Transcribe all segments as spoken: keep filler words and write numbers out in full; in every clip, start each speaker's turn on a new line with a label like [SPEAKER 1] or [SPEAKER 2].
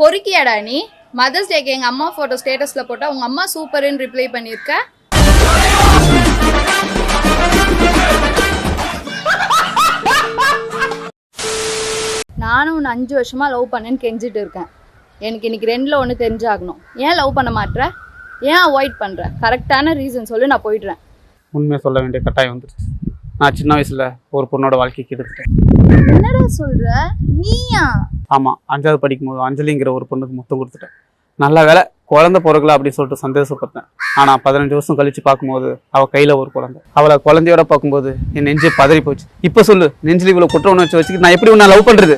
[SPEAKER 1] பொறுக்கியாடா நீ? மதர்ஸ் டேக்கு எங்க அம்மா போட்டோ ஸ்டேட்டஸ்ல போட்டா உங்க அம்மா சூப்பர்னு ரிப்ளை பண்ணிருக்க. நானும் உன்னை அஞ்சு வருஷமா லவ் பண்ணேன்னு கெஞ்சிட்டு இருக்கேன். எனக்கு இன்னைக்கு ரெண்டுல ஒன்று தெரிஞ்சாகணும். ஏன் லவ் பண்ண மாட்டேற? ஏன் அவாய்ட் பண்ற? கரெக்டான ரீசன் சொல்லு, நான் போயிடுறேன்.
[SPEAKER 2] உண்மையை சொல்ல வேண்டிய கட்டாயம் வந்துருச்சு. நான் சின்ன வயசுல ஒரு பொண்ணோட வாழ்க்கைக்கு எடுத்துட்டேன்.
[SPEAKER 1] என்னடா சொல்ற? நீயா?
[SPEAKER 2] ஆமாம், அஞ்சாவது படிக்கும்போது அஞ்சலிங்கிற ஒரு பொண்ணுக்கு முத்தம் கொடுத்துட்டேன். நல்ல வேலை குழந்தை பிறகுல அப்படின்னு சொல்லிட்டு சந்தோஷப்பட்டேன். ஆனால் பதினஞ்சு வருஷம் கழிச்சு பார்க்கும்போது அவள் கையில் ஒரு குழந்தை. அவளை குழந்தையோட பார்க்கும்போது என் நெஞ்சு பதறி போச்சு. இப்போ சொல்லு, நெஞ்சில் இவ்வளோ குற்ற உணர்ச்சி வச்சுக்கிட்டு நான் எப்படி உன்னை லவ் பண்ணுறது?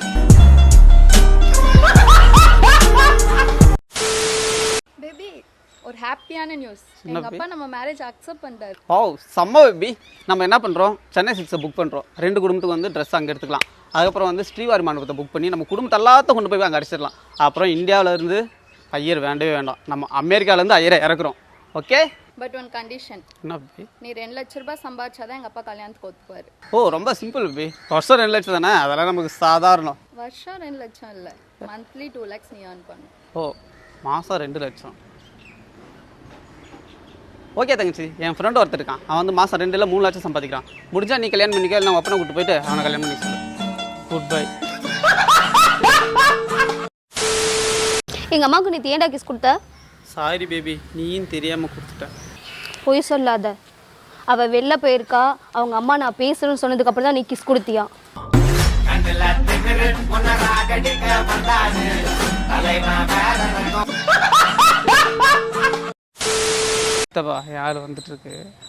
[SPEAKER 1] பேபி, ஒரு ஹாப்பியான நியூஸ். எங்க அப்பா நம்ம மேரேஜ் அக்செப்ட் பண்ணிட்டாரு.
[SPEAKER 2] ஓ செம்ம பேபி. நம்ம என்ன பண்ணுறோம், சென்னை சிக்ஸை புக் பண்ணுறோம். ரெண்டு குடும்பத்துக்கு வந்து ட்ரெஸ் அங்கே எடுத்துக்கலாம். அதுக்கப்புறம் வந்து ஸ்ரீவாரி மண்டபத்தை புக் பண்ணி நம்ம குடும்பத்தை எல்லாத்தையும் கொண்டு போய் அங்கே அடிச்சிடலாம். அப்புறம் இந்தியாவிலேருந்து ஐயர் வேண்டவே வேண்டாம், நம்ம அமெரிக்காவிலேருந்து ஐயரை இறக்குறோம். Okay,
[SPEAKER 1] but one condition.
[SPEAKER 2] என்ன பேபி?
[SPEAKER 1] நீ ரெண்டு லட்ச ரூபாய் சம்பாதிச்சாதான் எங்க அப்பா கல்யாணத்துக்கு ஒத்துக்குவாரு.
[SPEAKER 2] ஓ ரொம்ப சிம்பிள் பேபி. வருஷம் ரெண்டு லட்சம் தானே, அதெல்லாம் நமக்கு சாதாரணம்.
[SPEAKER 1] வருஷம் ரெண்டு லட்சம் இல்ல, மந்த்லி டூ லேக்ஸ் நீ ஏர்ன் பண்ணு.
[SPEAKER 2] ஓ மாதம் ரெண்டு லட்சம். ஓகே தங்கச்சி, என் ஃப்ரெண்டு ஒருத்தர் இருக்கான். அவன் வந்து மாதம் ரெண்டு இல்லை மூணு லட்சம் சம்பாதிக்கிறான். முடிஞ்சா நீ கல்யாணம் பண்ணிக்க, இல்லை நான் அப்பனை கூப்பிட்டு போயிட்டு அவனை கல்யாணம் பண்ணி சொல்லு. Good bye.
[SPEAKER 3] எங்கள் அம்மாவுக்கு நீ ஏன்டா கிஸ் கொடுத்த?
[SPEAKER 2] சாரி பேபி, நீயும் தெரியாமல் கொடுத்துட்டேன்.
[SPEAKER 3] பொய் சொல்லாத. அவள் வெளில போயிருக்கா, அவங்க அம்மா நான் பேசுகிறேன்னு சொன்னதுக்கப்புறம் தான் நீ கிஸ் கொடுத்தியா?
[SPEAKER 2] யார் வந்துட்டு இருக்கு?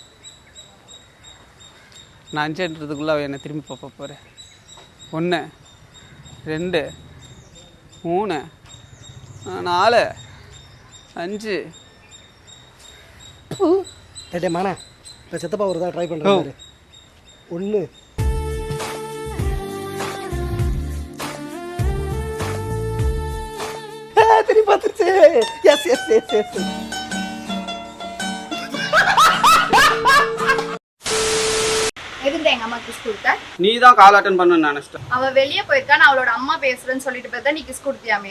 [SPEAKER 2] நான் அஞ்சுன்றதுக்குள்ள அவள் என்னை திரும்பி பார்ப்ப போகிறேன். ஒன்று, ரெண்டு, மூணு, நாலு, அஞ்சு.
[SPEAKER 4] டே மானே, இப்போ சித்தப்பா ஒரு தான் ட்ரை பண்ணுறாரு. ஒன்று, திரும்பி பார்த்துருச்சு. எஸ் எஸ் எஸ் எஸ்
[SPEAKER 1] எதுக்கு எங்க அம்மா கிஸ் கொடுத்த?
[SPEAKER 2] நீ தான் கால் அட்டன் பண்ண நினைச்சிட்டேன்.
[SPEAKER 1] அவ வெளியே போயிருக்கா, நான் அவளோட அம்மா பேசுறேன்னு சொல்லிட்டு பார்த்தா நீ கிஸ் கொடுத்தியாமே.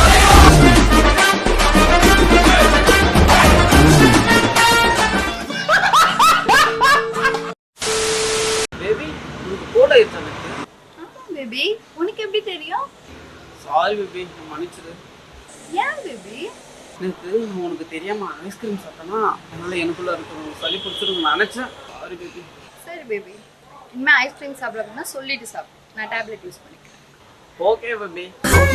[SPEAKER 2] பேபி, உனக்கு கோட் ஆயிடுச்சு எனக்கு.
[SPEAKER 1] ஆமா பேபி, உனக்கு எப்படி தெரியும்?
[SPEAKER 2] சாரி பேபி, மன்னிச்சிடு.
[SPEAKER 1] ஏன் பேபி?
[SPEAKER 2] எனக்கு உனக்கு தெரியாம ஐஸ்கிரீம் சாப்பிட்டேன்னா அதனால எனக்குள்ள இருக்கிற சளி பிடிச்சிருக்கு நினைச்சேன். Sorry baby.
[SPEAKER 1] சரி பேபி, இனிமே ஐஸ்கிரீம் சாப்பிடணும்னா சொல்லிட்டு சாப்பிடு, நான் டேப்லெட் யூஸ் பண்ணிக்கிறேன்.
[SPEAKER 2] Okay baby.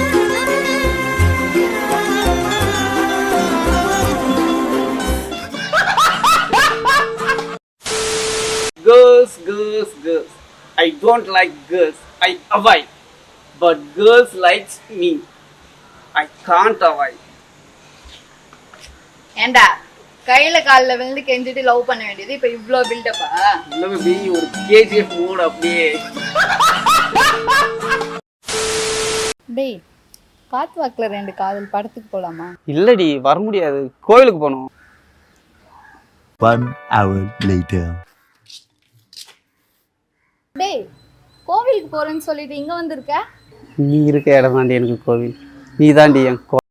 [SPEAKER 2] Girls, girls, girls. I don't like girls. I avoid. But girls likes me. I can't avoid.
[SPEAKER 1] ஏண்டா கையில காலில் விழுந்து கெஞ்சிட்டு லவ் பண்ண வேண்டியது இப்ப இவ்ளோ பில்டப்பா?
[SPEAKER 2] இல்ல பேபி, ஒரு கேஜிஎஃப் மூட் அப்படியே.
[SPEAKER 1] டேய், காத்து வாக்குல ரெண்டு காதல் படத்துக்கு போலாமா?
[SPEAKER 2] இல்லடி, வர முடியாது, கோயிலுக்கு போகணும்.
[SPEAKER 5] One hour later.
[SPEAKER 1] டேய், கோவிலுக்கு போறேன்னு சொல்லிட்டு இங்க வந்திருக்க?
[SPEAKER 2] நீ இருக்க இடம் தாண்டி எனக்கு கோவில். நீ தாண்டி என் கோ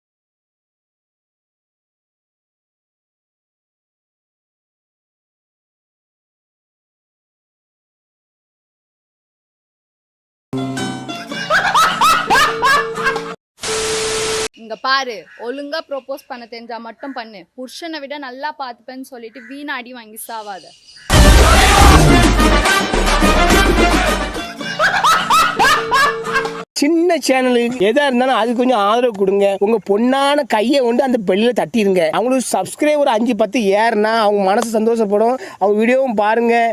[SPEAKER 1] இங்க பாரு, ஒழுங்கா ப்ரோபோஸ் பண்ண தெரிஞ்சா மட்டும் பண்ணு. புருஷனை விட நல்லா பாத்துப்பேன்னு சொல்லிட்டு வீணா அடி வாங்கி சாவாத.
[SPEAKER 4] சின்ன சேனலுக்கு எதா இருந்தாலும் அது கொஞ்சம் ஆதரவு கொடுங்க. உங்க பொண்ணான கையை கொண்டு அந்த பெல்லில தட்டிடுங்க. அவங்களுக்கு சப்ஸ்கிரைபர் அஞ்சு பத்து ஏறுனா அவங்க மனசு சந்தோஷப்படும். அவங்க வீடியோவும் பாருங்க.